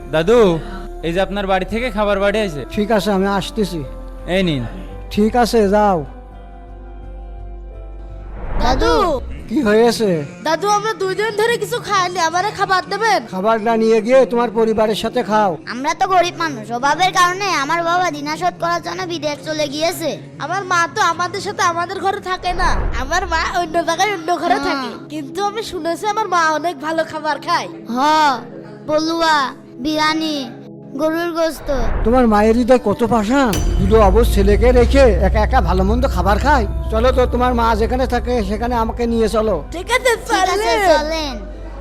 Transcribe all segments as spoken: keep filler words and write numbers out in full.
দাদু, এই যে আপনার বাড়ি থেকে খাবার বাড়ি আছে। ঠিক আছে, আমি আসতেছি। এই নিন। ঠিক আছে, যাও। দাদু, কি হয়েছে? দাদু আমরা দুই দিন ধরে কিছু খাইনি, আমারে খাবার দেবেন? খাবারটা নিয়ে গিয়ে তোমার পরিবারের সাথে খাও। আমরা তো গরিব মানুষ, অভাবের কারণে আমার বাবা দিনা শোধ করার জন্য বিদেশ চলে গিয়েছে। আমার মা তো আমাদের সাথে আমাদের ঘরে থাকে না, আমার মা অন্য জায়গায় অন্য ঘরে হ্যাঁ। থাকে। কিন্তু আমি শুনেছি আমার মা অনেক ভালো খাবার খায়। হ, পলুয়া, বিরিয়ানি, গরুর গোস্ত। তোমার মায়ের হৃদয় কত পাষাণ, দুটো অবশ ছেলেকে রেখে একা একা ভালো মন্দ খাবার খায়। চলো তো, তোমার মা যেখানে থাকে সেখানে আমাকে নিয়ে চলো। ঠিক আছে, ঠিক আছে, চলেন। চলেন।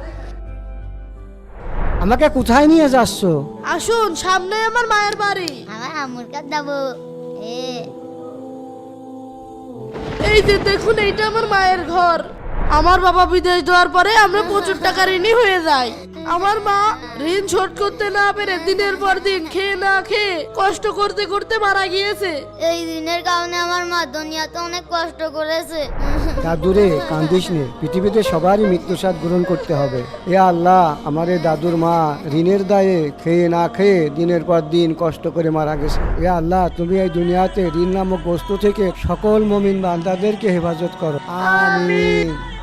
আমাকে কোথায় নিয়ে যাচ্ছ? আসুন, সামনে আমার মায়ের বাড়ি। আমার আমুর কাছে যাবো। এ এই যে দেখুন, এইটা আমার মায়ের ঘর। আমার বাবা বিদেশ যাওয়ার পরে আমরা প্রচুর টাকা ঋণী হয়ে যাই। আমার মা ঋণ শোধ করতে না পেরে দিনের পর দিন খেয়ে না খেয়ে কষ্ট করতে করতে মারা গিয়েছে। এই দিনের কারণে আমার মা দুনিয়াতে অনেক কষ্ট করেছে। দাদুরে, কান্দিস নে, পৃথিবীতে সবারই মৃত্যুর স্বাদ গ্রহণ করতে হবে। এ আল্লাহ, আমার এই দাদুর মা ঋণের দায়ে খেয়ে না খেয়ে দিনের পর দিন কষ্ট করে মারা গেছে। এ আল্লাহ, তুমি এই দুনিয়াতে ঋণ নামক বস্তু থেকে সকল মুমিন বান্দাদেরকে হেফাজত করো। আমিন।